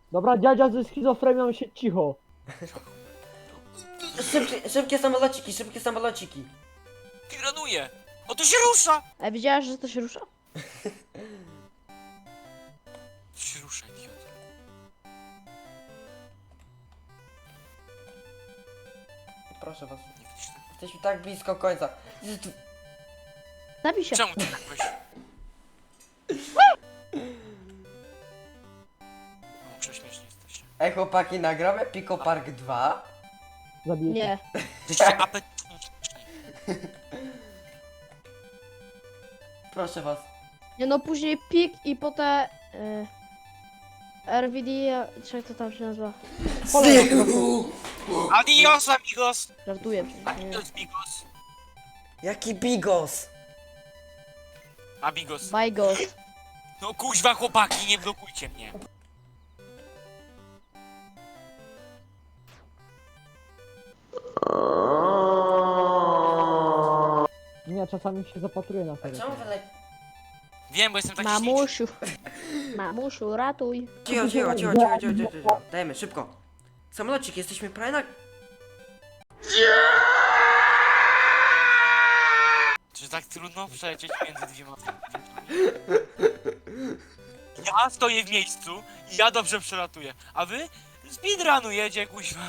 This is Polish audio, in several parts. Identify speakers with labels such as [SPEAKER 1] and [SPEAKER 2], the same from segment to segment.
[SPEAKER 1] Dobra, dziadzia ze schizofrenią się cicho.
[SPEAKER 2] Szybkie samolociki, szybkie samolociki.
[SPEAKER 3] Piranuje! O, to się rusza!
[SPEAKER 4] A widziałaś, że to się rusza?
[SPEAKER 3] To się rusza, idiot.
[SPEAKER 2] Proszę was.
[SPEAKER 3] Nie widzisz tego?
[SPEAKER 2] Jesteśmy tak blisko końca.
[SPEAKER 4] Zabij się.
[SPEAKER 3] Czemu ty tak weź? No, prześmieszni jesteście.
[SPEAKER 2] Ej chłopaki, nagramy Pico Park 2?
[SPEAKER 1] Zabiję cię.
[SPEAKER 4] Nie.
[SPEAKER 3] Jesteście apetyczni.
[SPEAKER 2] Proszę was.
[SPEAKER 4] Nie no, później pik i potem... RVD, czy jak to tam się nazywa?
[SPEAKER 3] Adios, amigos!
[SPEAKER 4] Żartuję przecież. Nie.
[SPEAKER 3] Adios, amigos.
[SPEAKER 2] Jaki bigos?
[SPEAKER 3] Amigos.
[SPEAKER 4] Bajgos.
[SPEAKER 3] No kuźwa, chłopaki, nie blokujcie mnie.
[SPEAKER 1] Nie, czasami się zapatruję na
[SPEAKER 2] A
[SPEAKER 1] serio.
[SPEAKER 2] czemu wy
[SPEAKER 3] Wiem, bo jestem taki śliczny.
[SPEAKER 4] Mamusiu. Mamusiu, ratuj.
[SPEAKER 2] Cicho. Dajemy, szybko. Samolocik, jesteśmy prawie na...
[SPEAKER 3] Czy tak trudno przelecieć między dwiema Ja stoję w miejscu i ja dobrze przelatuję, a wy speedrunujecie, kuźwa.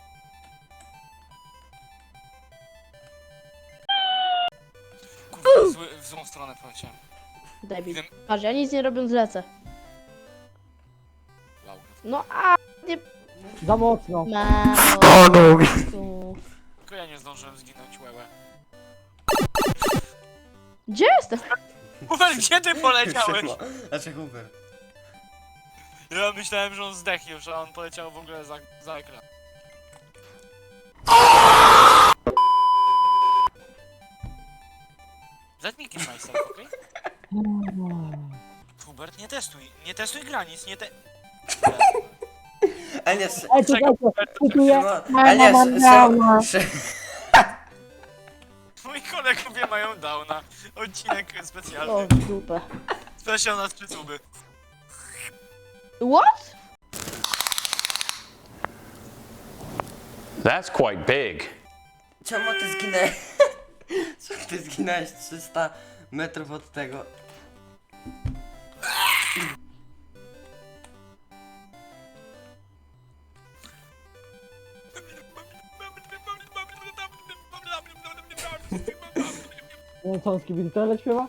[SPEAKER 3] Kurwa, w złą stronę poleciałem.
[SPEAKER 4] Debil.
[SPEAKER 3] Wiem.
[SPEAKER 4] Patrz, ja nic nie robiąc lecę.
[SPEAKER 3] Laura.
[SPEAKER 4] No a nie...
[SPEAKER 1] Za mocno.
[SPEAKER 4] Mamo.
[SPEAKER 3] Tylko ja nie zdążyłem zginąć, łełe.
[SPEAKER 4] Gdzie jestem?
[SPEAKER 3] Hubert, gdzie ty poleciałeś?
[SPEAKER 2] Znaczy Hubert.
[SPEAKER 3] Ja myślałem, że on zdechł już, a on poleciał w ogóle za ekran. Let me kill myself, okej? Hubert, nie testuj granic, nie te...
[SPEAKER 2] A nie,
[SPEAKER 1] Ej, czekajcie, kupuję.
[SPEAKER 2] a nie,
[SPEAKER 3] Moi kolegowie mają downa. Odcinek
[SPEAKER 4] O,
[SPEAKER 3] specjalny.
[SPEAKER 4] w dupę.
[SPEAKER 3] Specjal na przytuby.
[SPEAKER 4] What?
[SPEAKER 5] That's quite big.
[SPEAKER 2] Czemu ty zginęłeś? Czemu ty zginąłeś 300 metrów od tego?
[SPEAKER 1] Nie wiem, co on z Kibili Tele śpiewa?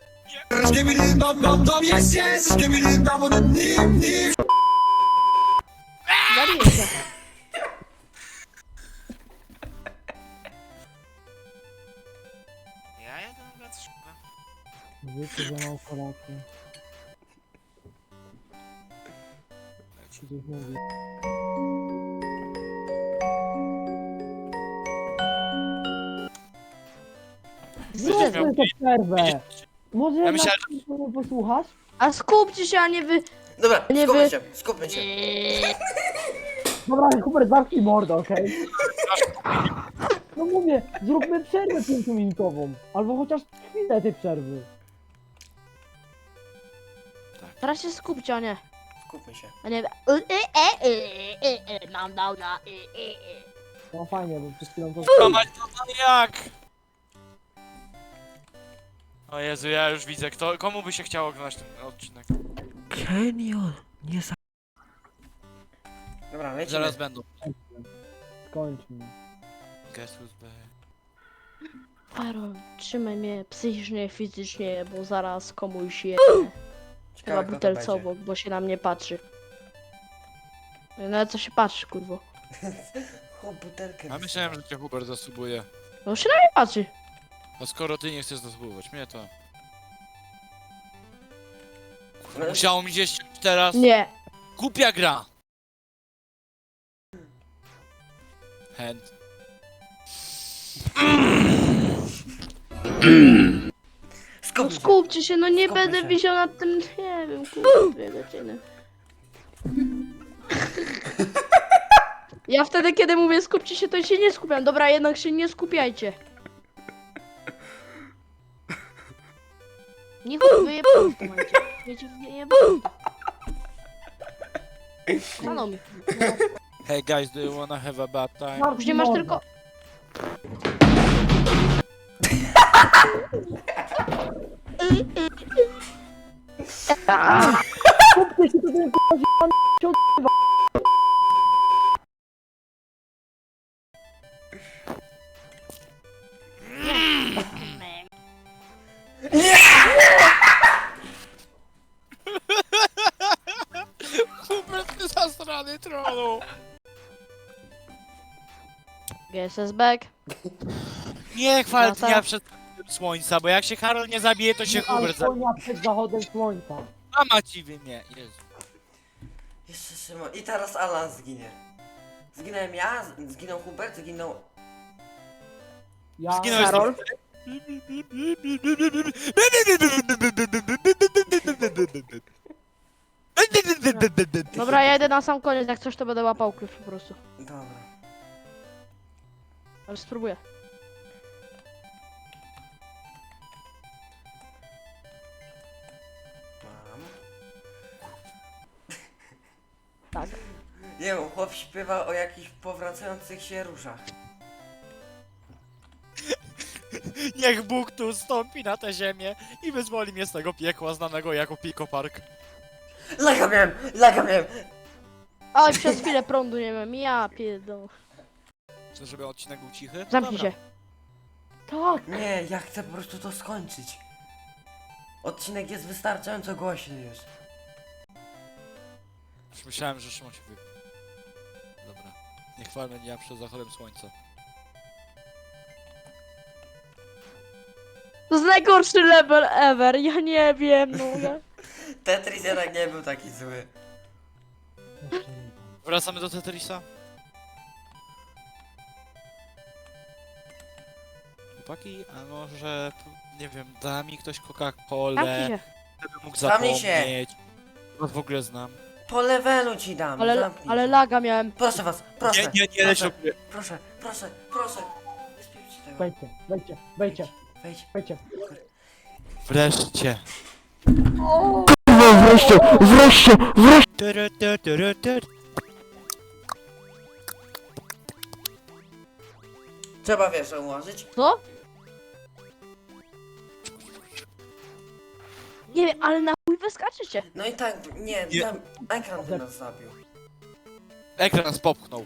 [SPEAKER 4] Zabiję się.
[SPEAKER 3] Ja jadę na plac szkoły.
[SPEAKER 1] Wiecie, że mam kolację. Coś mówi.
[SPEAKER 3] Będziesz miał...
[SPEAKER 1] Zróbmy tę przerwę. Może
[SPEAKER 3] Ja
[SPEAKER 1] ja
[SPEAKER 3] myślałem,
[SPEAKER 1] nie posłuchasz?
[SPEAKER 4] A skupcie się, a nie wy...
[SPEAKER 2] Dobra,
[SPEAKER 4] Nie
[SPEAKER 2] skupmy
[SPEAKER 4] wy-
[SPEAKER 2] się, skupmy się.
[SPEAKER 1] Dobra, Hubert, zamknij mordę, okej? No mówię, zróbmy przerwę 5-minutową. Albo chociaż chwilę tej przerwy.
[SPEAKER 4] Teraz się skupcie, a nie...
[SPEAKER 2] Skupmy się.
[SPEAKER 4] A nie... Mam downa.
[SPEAKER 1] No fajnie, bo przed chwilą to...
[SPEAKER 3] Mać, no jak? O Jezu, ja już widzę, komu by się chciało oglądać ten odcinek?
[SPEAKER 2] Dobra, lecimy.
[SPEAKER 3] Zaraz będą.
[SPEAKER 1] Skończmy.
[SPEAKER 3] Guess who's back?
[SPEAKER 4] Karol, trzymaj mnie psychicznie, fizycznie, bo zaraz komuś je...
[SPEAKER 2] Ciekawe,
[SPEAKER 4] Chyba
[SPEAKER 2] kto to
[SPEAKER 4] butelce
[SPEAKER 2] będzie.
[SPEAKER 4] obok, bo się na mnie patrzy. No co się patrzy, kurwo?
[SPEAKER 2] Chłop butelkę.
[SPEAKER 3] Ja myślałem, że cię Hubert zasubuje.
[SPEAKER 4] No się na mnie patrzy.
[SPEAKER 3] A skoro ty nie chcesz zasubować mnie, to...
[SPEAKER 2] No,
[SPEAKER 3] Musiało mi gdzieś teraz...
[SPEAKER 4] Nie.
[SPEAKER 3] Głupia gra! Hand.
[SPEAKER 4] No
[SPEAKER 2] skupmy się.
[SPEAKER 4] skupcie się, no nie
[SPEAKER 2] Skupmy
[SPEAKER 4] będę
[SPEAKER 2] się.
[SPEAKER 4] wisiał nad tym, nie wiem, kurwa, 2 godziny. Ja wtedy, kiedy mówię skupcie się, to się nie skupiam. Dobra, jednak się nie skupiajcie. Niech wyjebało w tym momencie. Wiecie, wyjebało. Stanął mi.
[SPEAKER 3] Hey guys, do you wanna have a bad time?
[SPEAKER 4] Już nie masz tylko...
[SPEAKER 1] Kupcie się, to ten k***a zjebany się odbywa.
[SPEAKER 3] Hubert, ty zasrany trollu!
[SPEAKER 4] GSS back.
[SPEAKER 3] Nie chwal
[SPEAKER 4] No tak.
[SPEAKER 3] dnia przed słońca, bo jak się Karol nie zabije, to się Hubert zabije.
[SPEAKER 1] Alkonia przed zachodem słońca.
[SPEAKER 3] Mama ci nie, Jezu.
[SPEAKER 2] Jeszcze Szymon. I teraz Alan zginie. Zginąłem ja, zginął Hubert, zginął...
[SPEAKER 1] Ja...
[SPEAKER 3] Zginąłeś
[SPEAKER 4] Karol? Dobra, ja idę na sam koniec, jak coś to będę łapał klucz po prostu.
[SPEAKER 2] Dobra.
[SPEAKER 4] Ale spróbuję.
[SPEAKER 2] Mam.
[SPEAKER 4] Tak.
[SPEAKER 2] Nie wiem, chłop śpiewa o jakichś powracających się różach.
[SPEAKER 3] Niech Bóg tu stąpi na tę ziemię i wyzwoli mnie z tego piekła znanego jako Pico Park.
[SPEAKER 2] Laga miałem! Laga miałem!
[SPEAKER 4] Oj, przez chwilę prądu nie mam, ja pierdolę.
[SPEAKER 3] Chcesz, żeby odcinek był cichy?
[SPEAKER 4] Zamknij
[SPEAKER 3] Dobra.
[SPEAKER 4] się. Tak.
[SPEAKER 2] Nie, ja chcę po prostu to skończyć. Odcinek jest wystarczająco głośny już.
[SPEAKER 3] Już myślałem, że Szymon się wy... Dobra. Nie chwalmy dnia przed zachodem słońca.
[SPEAKER 4] To jest najgorszy level ever, ja nie wiem, no ja...
[SPEAKER 2] Tetris jednak nie był taki zły.
[SPEAKER 3] Wracamy do Tetrisa? Chłopaki, a może... Nie wiem, da mi ktoś
[SPEAKER 4] Zamknij
[SPEAKER 3] Coca-Colę,
[SPEAKER 4] się.
[SPEAKER 3] żeby mógł
[SPEAKER 2] Zamknij się.
[SPEAKER 3] zapomnieć. Was w ogóle znam.
[SPEAKER 2] Po levelu ci dam, zamknij
[SPEAKER 4] Ale
[SPEAKER 2] się.
[SPEAKER 4] laga miałem.
[SPEAKER 2] Proszę was, proszę.
[SPEAKER 3] Nie leć
[SPEAKER 2] proszę,
[SPEAKER 3] do góry.
[SPEAKER 2] proszę, proszę, proszę. Nie spiewcie tego.
[SPEAKER 1] Wejdźcie, wejdźcie, wejdźcie,
[SPEAKER 2] Wejdź.
[SPEAKER 1] wejdźcie.
[SPEAKER 3] Wreszcie.
[SPEAKER 1] Wreszcie, wreszcie, wreszcie!
[SPEAKER 2] Trzeba wiesz, ułożyć.
[SPEAKER 4] Co? Nie wiem, ale na chuj wyskaczycie.
[SPEAKER 2] No i tak, nie,
[SPEAKER 3] Nie.
[SPEAKER 2] tam ekran by nas zabił.
[SPEAKER 3] Ekran nas popchnął.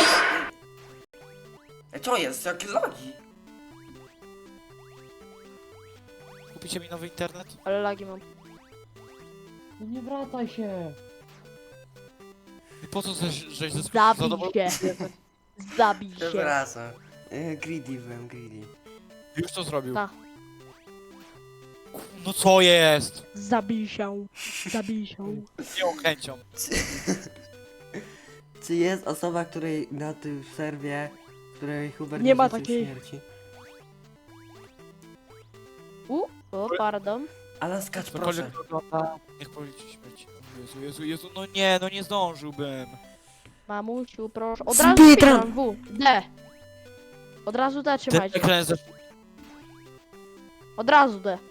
[SPEAKER 2] Co jest? Jakie lagi?
[SPEAKER 3] Kupicie mi nowy internet?
[SPEAKER 4] Ale lagi mam.
[SPEAKER 1] No nie wracaj się.
[SPEAKER 3] I po co żeś ze
[SPEAKER 4] Zabij się. Zabij się.
[SPEAKER 2] Przepraszam. Greedy byłem, greedy.
[SPEAKER 3] Już to zrobił.
[SPEAKER 4] Tak.
[SPEAKER 3] No co jest?
[SPEAKER 4] Zabij się. Zabij się.
[SPEAKER 3] Z nią chęcią.
[SPEAKER 2] Czy jest osoba, której na tym serwie, której Hubert
[SPEAKER 4] Nie ma
[SPEAKER 2] życzył
[SPEAKER 4] takiej.
[SPEAKER 2] śmierci?
[SPEAKER 4] O, pardon.
[SPEAKER 2] Alan, skacz, proszę.
[SPEAKER 3] Cokolwiek wygląda. Niech policzy śmierć. O Jezu, no nie zdążyłbym.
[SPEAKER 4] Mamusiu, proszę. Od razu
[SPEAKER 2] Speedrun.
[SPEAKER 4] pisam W. D. Od razu D
[SPEAKER 3] Ten
[SPEAKER 4] trzymajcie.
[SPEAKER 3] ekran jest za...
[SPEAKER 4] Od razu D.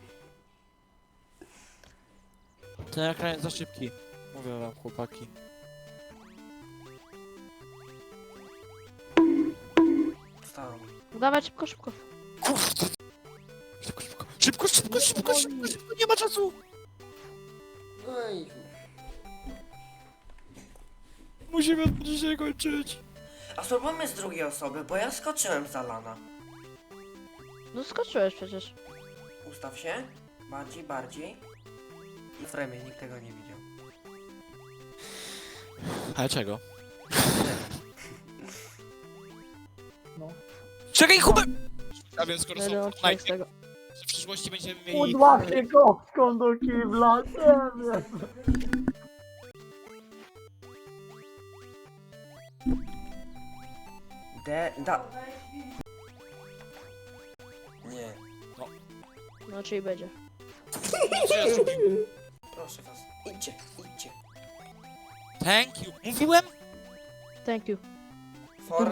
[SPEAKER 3] Ten ekran jest za szybki. Mówię wam, chłopaki.
[SPEAKER 2] Wstałem.
[SPEAKER 4] Dawaj szybko, szybko.
[SPEAKER 3] Kurde. Szybko, nie ma czasu.
[SPEAKER 2] No i...
[SPEAKER 3] Musimy dzisiaj kończyć.
[SPEAKER 2] A spróbujmy z drugiej osoby, bo ja skoczyłem z Alana.
[SPEAKER 4] No skoczyłeś przecież.
[SPEAKER 2] Ustaw się. Bardziej, bardziej. I w fremie, nikt tego nie widział.
[SPEAKER 3] Ale czego?
[SPEAKER 1] No.
[SPEAKER 3] Czekaj, Hubert! A więc skoro
[SPEAKER 4] Będę
[SPEAKER 3] są
[SPEAKER 4] odcinek z
[SPEAKER 3] Fortnite,
[SPEAKER 4] tego.
[SPEAKER 3] w przyszłości będziemy mieli...
[SPEAKER 1] Udła się kostką do kibla, nie wiem.
[SPEAKER 2] Nie.
[SPEAKER 4] No czyli będzie.
[SPEAKER 2] Proszę was. Idźcie, idźcie.
[SPEAKER 3] Thank you. Mówiłem?
[SPEAKER 4] Thank you.
[SPEAKER 2] For...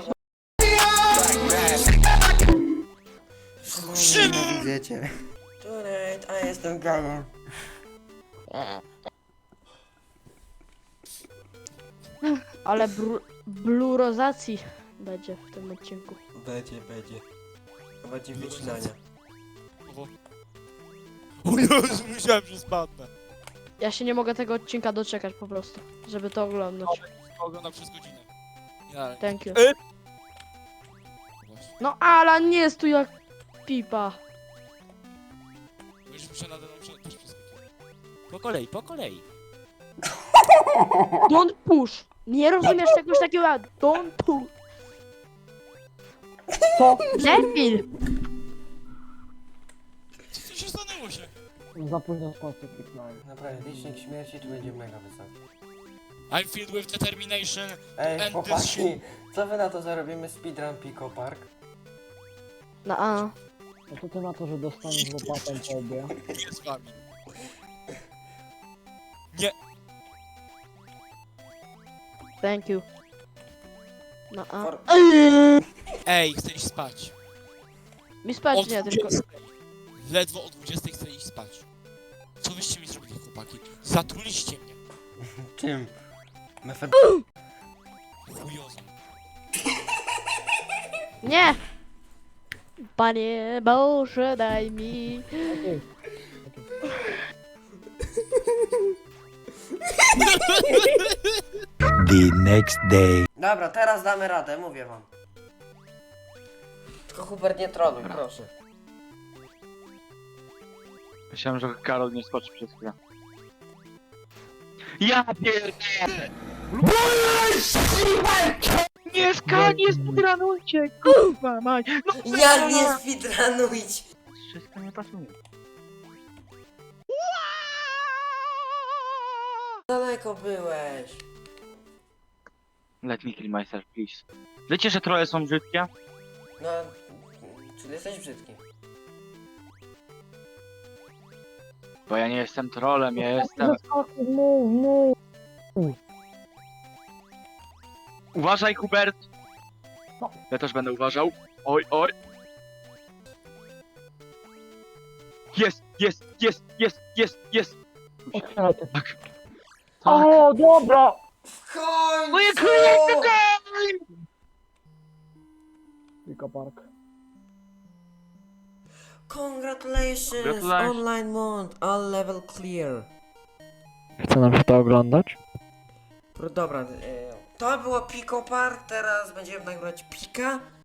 [SPEAKER 3] Szymon!
[SPEAKER 2] Wiecie. Tonight, a jestem gejem.
[SPEAKER 4] Ale blurozacji będzie w tym odcinku.
[SPEAKER 2] Będzie. To będzie wycinania.
[SPEAKER 3] O Jezu, myślałem, że spadnę.
[SPEAKER 4] Ja się nie mogę tego odcinka doczekać po prostu, żeby to oglądać.
[SPEAKER 3] Oglądam przez godzinę. Ja,
[SPEAKER 4] Thank you.
[SPEAKER 3] właśnie.
[SPEAKER 4] No Alan nie jest tu jak pipa.
[SPEAKER 3] Bo już muszę nade mną też przez godzinę. Po kolei.
[SPEAKER 4] Don't push. Nie rozumiesz czegoś takiego jak don't push.
[SPEAKER 1] Co?
[SPEAKER 4] Debil.
[SPEAKER 3] Co się stanęło się?
[SPEAKER 1] Za późno sponsor kliknąłem.
[SPEAKER 2] Naprawdę, licznik śmierci tu będzie mega wysoki.
[SPEAKER 3] I'm filled with determination.
[SPEAKER 2] Ej,
[SPEAKER 3] And
[SPEAKER 2] chłopaki, co wy na to zarobimy speedrun Pico Park?
[SPEAKER 4] No a.
[SPEAKER 1] No to ty na to, że dostaniesz łopatę po obie.
[SPEAKER 3] Nie z wami.
[SPEAKER 4] Thank you. No a.
[SPEAKER 2] For...
[SPEAKER 3] Ej, chcę iść spać.
[SPEAKER 4] Mi spać
[SPEAKER 3] Od
[SPEAKER 4] nie, tylko...
[SPEAKER 3] 20. Ledwo o 20 chcę iść spać. Co wyście mi zrobili, chłopaki? Zatruliście mnie.
[SPEAKER 2] Czym? Mefed...
[SPEAKER 3] Chujozą.
[SPEAKER 4] Nie! Panie Boże, daj mi...
[SPEAKER 1] Okej.
[SPEAKER 5] The next day.
[SPEAKER 2] Dobra, teraz damy radę, mówię wam. Tylko Hubert nie troluj, proszę.
[SPEAKER 6] Myślałem, że Karol nie skoczy przez chwilę. Ja pierdolę! Nie speedrunujcie, kurwa mać! No
[SPEAKER 2] Jak nie speedrunujcie?
[SPEAKER 6] Wszystko nie pasuje.
[SPEAKER 2] Daleko byłeś.
[SPEAKER 6] Let me kill myself, please. Wiecie, że trolle są brzydkie?
[SPEAKER 2] No, czyli jesteś brzydki.
[SPEAKER 6] Bo ja nie jestem trollem, ja jestem...
[SPEAKER 1] Move.
[SPEAKER 6] Uważaj, Hubert!
[SPEAKER 1] No.
[SPEAKER 6] Ja też będę uważał. Oj. Jest!
[SPEAKER 1] Otwieraj to.
[SPEAKER 6] Tak.
[SPEAKER 1] O, dobra!
[SPEAKER 2] W końcu!
[SPEAKER 6] Moje króle!
[SPEAKER 1] Tylko park.
[SPEAKER 2] Congratulations!
[SPEAKER 6] Gratulacje.
[SPEAKER 2] Online mode, all level clear.
[SPEAKER 1] Chce nam się to oglądać?
[SPEAKER 2] Dobra, to było Pico Park, teraz będziemy nagrywać Pika.